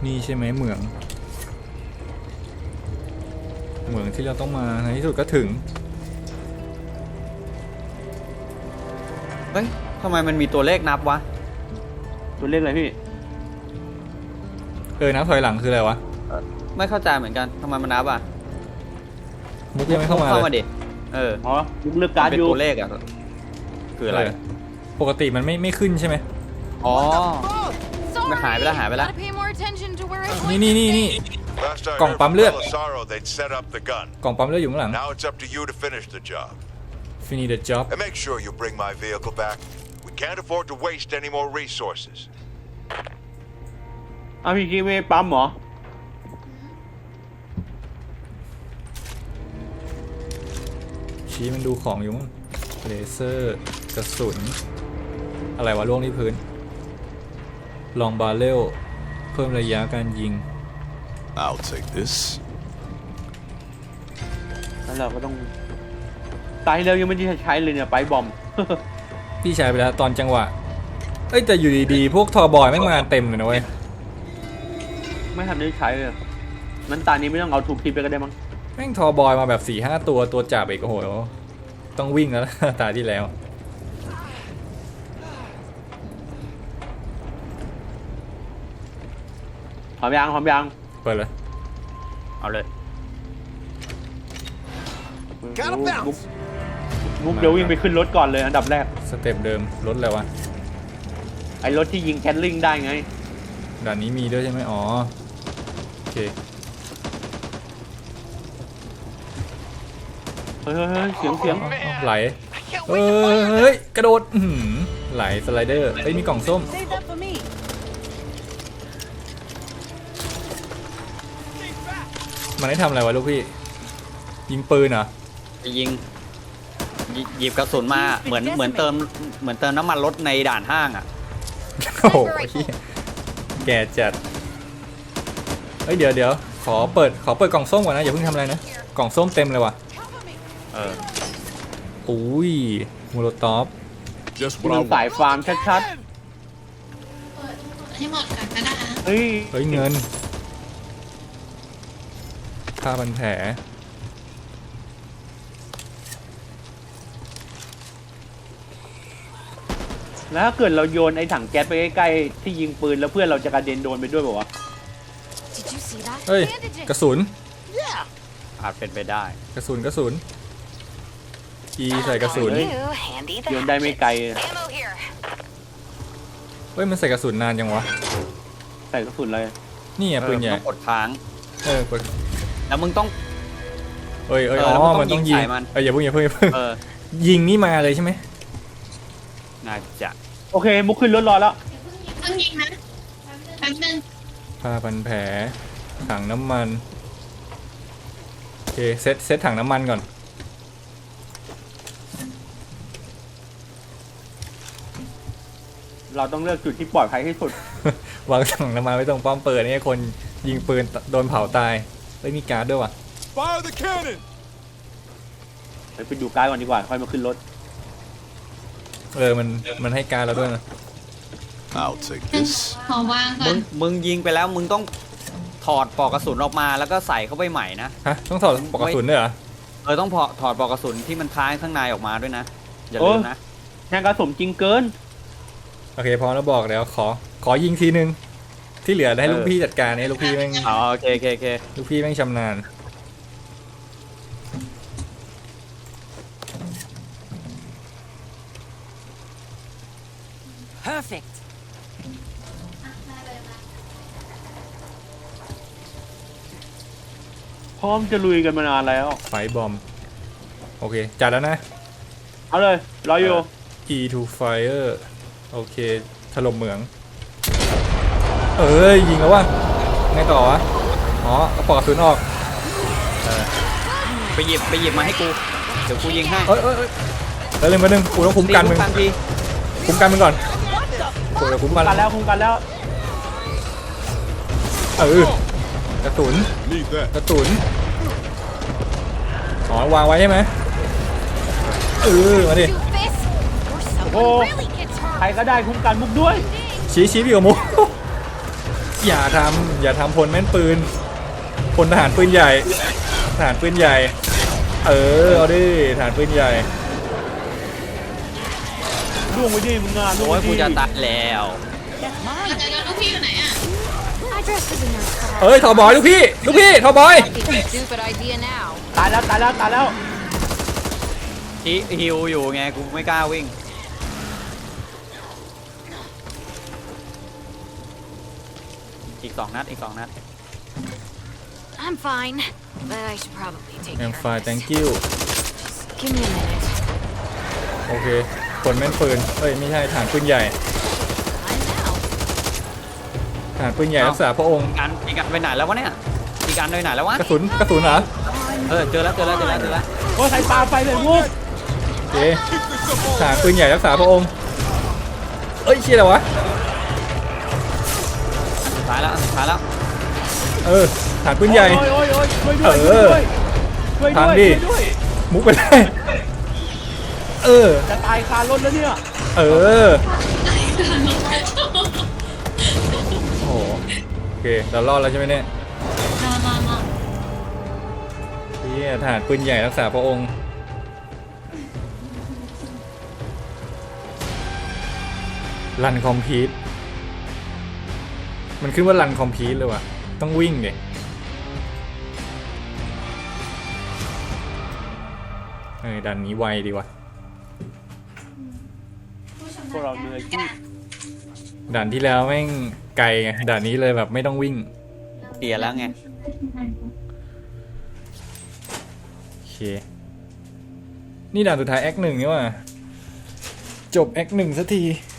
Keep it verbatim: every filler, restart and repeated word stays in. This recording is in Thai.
นี่ใช่ไหมเหมืองเหมืองที่เราต้องมาในที่สุดก็ถึงเฮ้ยทำไมมันมีตัวเลขนับวะตัวเลขอะไรพี่เออนับถอยหลังคืออะไรวะไม่เข้าใจเหมือนกันทำไมมันนับอ่ะมุกยังไม่เข้ามาเข้ามาดิเอออ๋อมุกเลือกการ์ดอยู่เป็นตัวเลขอ่ะคืออะไรปกติมันไม่ไม่ขึ้นใช่ไหมอ๋อไม่หายไปแล้วหายไปแล้วนี่นี่นี่นี่กล่องปั๊มเลือดกล่องปั๊มเลือดอยู่ข้างหลัง Now it's up to you to finish the job. Finish the job And make sure you bring my vehicle back. We can't afford to waste any more resources. อ้าวพี่กี้ไม่ปั๊มเหรอชี้มันดูของอยู่มั้งเลเซอร์กระสุนอะไรวะล่วงที่พื้นลองบาเรลเพิ่มระยะการยิง I'll take this. แล้วเราก็ต้องตายแล้วยังไม่ได้ใช้เลยเนี่ยไปบอมพี่ใช้ไปแล้วตอนจังหวะเอ้ยแต่อยู่ดีๆพวกทอบอยไม่มาเต็มเลยนะเว้ยไม่ทันได้ใช้เลยนั้นตานี้ไม่ต้องเอาถูกทิปไปก็ได้มั้งแม่งทอบอยมาแบบ สี่ห้า ตัวตัวจับอีกโอ้โหต้องวิ่งแล้ว ตาที่แล้วพร้อมยังพร้อมยังเปิดเลยเอาเลยมุกมุกเดี๋ยววิ่งไปขึ้นรถก่อนเลยอันดับแรกสเต็ปเดิมรถอะไรวะไอรถที่ยิงแคทลิงได้ไงด่านนี้มีด้วยใช่ไหมอ๋อโอเคเฮ้ยเสียงเสียงไหลเฮ้ยกระโดดไหลสไลเดอร์เฮ้ยมีกล่องส้มมันได้ทำอะไรวะลูกพี่ยิงปืนเหรอยิงหยิบกระสุนมาเหมือนเหมือนเติมเหมือนเติมน้ำมันรถในด่านห้างอ่ะโอ้โหแกจัดเฮ้ยเดี๋ยวเดี๋ยวขอเปิดขอเปิดกล่องส้มก่อนนะอย่าเพิ่งทำอะไรนะกล่องส้มเต็มเลยว่ะเอออุ้ยมูโรตอฟมันสายฟาร์มชัดๆให้หมดก่อนก็ได้เฮ้ยเฮ้ยเงินผ้าพันแผลแล้วถ้าเกิดเราโยนไอ้ถังแก๊สไปใกล้ๆที่ยิงปืนแล้วเพื่อนเราจะกระเด็นโดนไปด้วยป่าวะเฮ้ยกระสุนอาจเป็นไปได้กระสุนกระสุนอีใส่กระสุนโยนได้ไม่ไกลเฮ้ยมันใส่กระสุนนานยังวะใส่กระสุนเลยนี่อ่ะปืนใหญ่กดค้างเออกดแล้วมึงต้องเอ้ยเอ้ยอ๋อมันต้องยิงเอ้ยอย่าเพิ่งอย่าเพิ่งอย่าเพิ่งยิงนี่มาเลยใช่ไหมน่าจะโอเคมุกขึ้นรถรอแล้วเพิ่งยิงนะแป๊บนึงผ้าพันแผลถังน้ำมันโอเคเซตเซตถังน้ำมันก่อนเราต้องเลือกจุดที่ปลอดภัยที่สุดวางถังน้ำมันไว้ตรงป้อมปืนนี่คนยิงปืนโดนเผาตายไม่มีการ์ดด้วยว่ะไปดูการ์ดก่อนดีกว่าค่อยมาขึ้นรถเออมันมันให้การ์ดเราด้วยนะ I'll take this ขอวางก่อนมึงมึงยิงไปแล้วมึงต้องถอดปลอกกระสุนออกมาแล้วก็ใส่เข้าไปใหม่นะฮะต้องถอดปลอกกระสุนด้วยเหรอเออต้องถอดปลอกกระสุนที่มันค้างข้างในออกมาด้วยนะอย่าลืมนะงานกระสุนจริงเกินโอเคพอแล้วบอกแล้วขอขอยิงทีนึงที่เหลือให้ลูกพี่จัดการเนี่ยลูกพี่แม่งอ๋อโอเคโอเคโอเคลูกพี่แม่งชำนาญ perfect พร้อมจะลุยกันมานานแล้วไฟบอมโอเคจัดแล้วนะเอาเลยรออยู่ E to fire โอเคถล่มเหมืองเอ้ยยิงแล้ววะไงต่อวะอ๋อเอาปลอกกระสุนออกไปหยิบไปหยิบมาให้กูเดี๋ยวกูยิงให้เอ้ยเอ้ยเอ้ยเรื่องมาหนึ่งกูต้องคุ้มกันมึงคุ้มกันมึงก่อนกูจะคุ้มกันแล้วคุ้มกันแล้วเออกระสุนกระสุนอ๋อวางไว้ใช่ไหมเออมาดิโอ้ใครก็ได้คุ้มกันมุกด้วยชี้ชี้พี่กับมุกอย่าทำอย่าทำพลแม่นปืนพลทหารปืนใหญ่ทหารปืนใหญ่ เออเอาดิทหารปืนใหญ่ล่วงไปดิมึงงานล่วงโอ้ไปยดิกูจะตายแล้วอาจารย์ลูกพี่อยู่ไหนอ่ะ I dressed as a nurse, but เอ้ยทอบอยลูกพี่ลูกพี่ทอบอย I think it's a stupid idea now. ตายแล้วตายแล้วตายแล้วที่ฮิวอยู่ไงกูไม่กล้าวิ่งอีกสองนัดอีกสองนัด I'm fine, but I should probably take แอ care ม of ไฟ this. thank you Just give me a minute. โอเคพลแม่นปืนเอ้ยไม่ใช่ทหารปืนใหญ่ I'm now. ทหารปืนใหญ่รักษาพระองค์อันอีกอันไปไหนแล้ววะเนี่ยอีกอันไปไหนแล้ววะกระสุนกระสุนเหรอเออเจอแล้วเจอแล้วเจอแล้วเจอแล้วโอ้ใส่ปลาไฟเลยลูกโอเคทหารปืนใหญ่รักษาพระองค์เอ้ยเชี่ยอะไรวะสุดท้ายแล้วสุดท้ายแล้วเออทหารปืนใหญ่โอ้ยโอ้ยโอ้ยช่วยด้วยเอช่วยอด้วยช่วยทางด้วยดิช่วยด้วยมุกไปได้เออจะตายคารถแล้วเนี่ยเออโอ้โหโอเคเรารอดแล้วใช่ไหมเนี่ยมามามาเฮียทหารปืนใหญ่รักษาพระองค์รันคอมพีทมันขึ้นว่ารันคอมพีทเลยว่ะต้องวิ่งเดยเออดันนี้ไวดีว่ะพวกเราเหนื่อยที่ด่านที่แล้วแม่งไกลไงด่านนี้เลยแบบไม่ต้องวิ่งเสียแล้วไงโอเค นี่ด่านสุดท้ายแอคหนึ่งนี่ว่ะจบแอคหนึ่งสักที